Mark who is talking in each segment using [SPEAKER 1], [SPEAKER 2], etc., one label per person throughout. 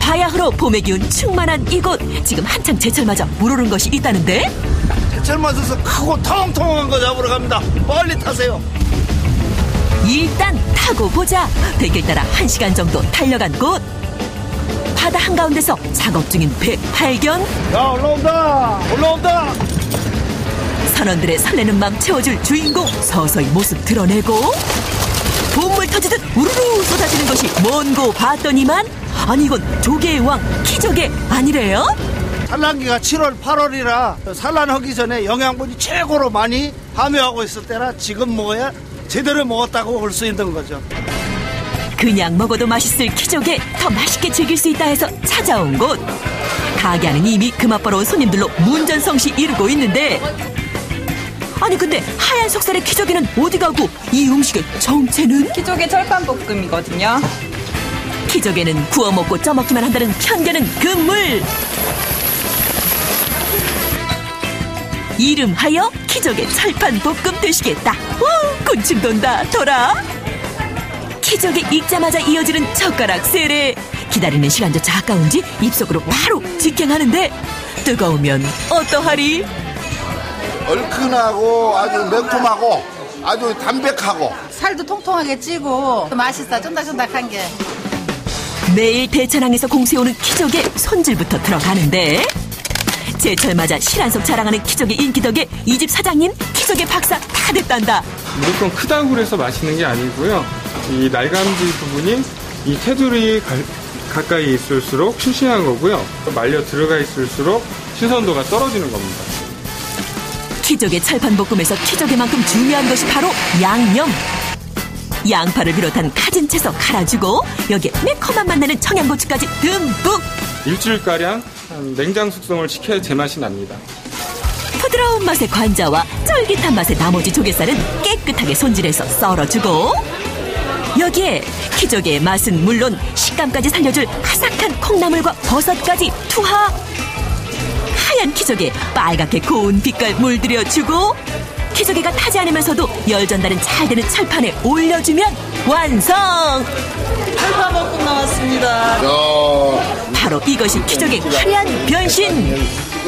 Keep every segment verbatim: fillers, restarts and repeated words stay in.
[SPEAKER 1] 바야흐로 봄의 기운 충만한 이곳. 지금 한창 제철 맞아 물오른 것이 있다는데?
[SPEAKER 2] 제철 맞아서 크고 통통한 거 잡으러 갑니다. 빨리 타세요.
[SPEAKER 1] 일단 타고 보자. 대길 따라 한 시간 정도 달려간 곳. 바다 한가운데서 작업 중인 배 발견.
[SPEAKER 2] 야, 올라온다 올라온다.
[SPEAKER 1] 선원들의 설레는 마음 채워줄 주인공 서서히 모습 드러내고 봄물 터지듯 우르르 쏟아지는 것이 뭔고 봤더니만 아니 이건 조개의 왕 키조개 아니래요?
[SPEAKER 2] 산란기가 칠월 팔월이라 산란하기 전에 영양분이 최고로 많이 함유하고 있을 때라 지금 먹어야 제대로 먹었다고 볼 수 있는 거죠.
[SPEAKER 1] 그냥 먹어도 맛있을 키조개 더 맛있게 즐길 수 있다 해서 찾아온 곳. 가게 안은 이미 그 맛보러 온 손님들로 문전성시 이루고 있는데 아니 근데 하얀 속살의 키조개는 어디 가고 이 음식의 정체는?
[SPEAKER 3] 키조개 철판볶음이거든요.
[SPEAKER 1] 키조개는 구워 먹고 쪄먹기만 한다는 편견은 금물. 이름하여 키조개 철판볶음 되시겠다. 우, 군침 돈다 돌아. 키조개 익자마자 이어지는 젓가락 세례. 기다리는 시간조차 아까운지 입속으로 바로 직행하는데 뜨거우면 어떠하리?
[SPEAKER 4] 얼큰하고 아주 매콤하고 아주 담백하고
[SPEAKER 5] 살도 통통하게 찌고 맛있어. 쫀득쫀득한 게.
[SPEAKER 1] 매일 대천항에서 공수해오는 키조개 손질부터 들어가는데 제철 맞아 실한속 자랑하는 키조개 인기 덕에 이 집 사장님 키조개 박사 다 됐단다.
[SPEAKER 6] 무조건 크다고 그래서 맛있는 게 아니고요. 이 날감질 부분이 이 테두리 가, 가까이 있을수록 싱싱한 거고요. 말려 들어가 있을수록 신선도가 떨어지는 겁니다.
[SPEAKER 1] 키조개 철판볶음에서 키조개만큼 중요한 것이 바로 양념. 양파를 비롯한 가진 채소 갈아주고 여기에 매콤한 맛 나는 청양고추까지 듬뿍.
[SPEAKER 6] 일주일가량 냉장 숙성을 시켜야 제맛이 납니다.
[SPEAKER 1] 부드러운 맛의 관자와 쫄깃한 맛의 나머지 조개살은 깨끗하게 손질해서 썰어주고 여기에 키조개의 맛은 물론 식감까지 살려줄 아삭한 콩나물과 버섯까지 투하. 하얀 키조개 빨갛게 고운 빛깔 물들여주고 키조개가 타지 않으면서도 열 전달은 잘 되는 철판에 올려주면 완성!
[SPEAKER 3] 철판볶음 나왔습니다.
[SPEAKER 1] 바로 이것이 키조개 화려한 변신!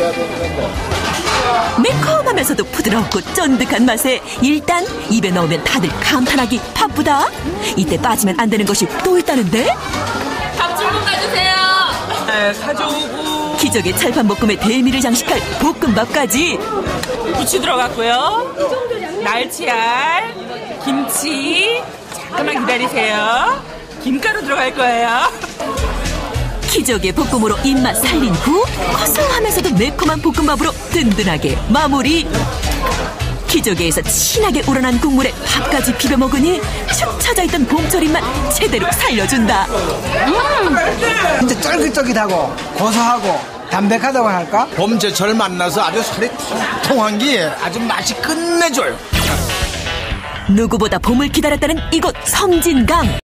[SPEAKER 1] 매콤하면서도 부드럽고 쫀득한 맛에 일단 입에 넣으면 다들 감탄하기 바쁘다. 이때 빠지면 안 되는 것이 또 있다는데?
[SPEAKER 3] 밥 주문 가주세요. 네, 사줘오고
[SPEAKER 1] 키조개 철판볶음의 대미를 장식할 볶음밥까지
[SPEAKER 3] 부추 들어갔고요. 날치알, 김치. 잠깐만 기다리세요. 김가루 들어갈 거예요.
[SPEAKER 1] 키조개 볶음으로 입맛 살린 후 고소하면서도 매콤한 볶음밥으로 든든하게 마무리. 키조개에서 진하게 우러난 국물에 밥까지 비벼 먹으니 축 처져 있던 봄철 입맛 제대로 살려준다.
[SPEAKER 7] 음, 진짜 쫄깃쫄깃하고 고소하고 담백하다고 할까?
[SPEAKER 4] 봄제철 만나서 아주 살이 통통한 게 아주 맛이 끝내줘요.
[SPEAKER 1] 누구보다 봄을 기다렸다는 이곳 섬진강.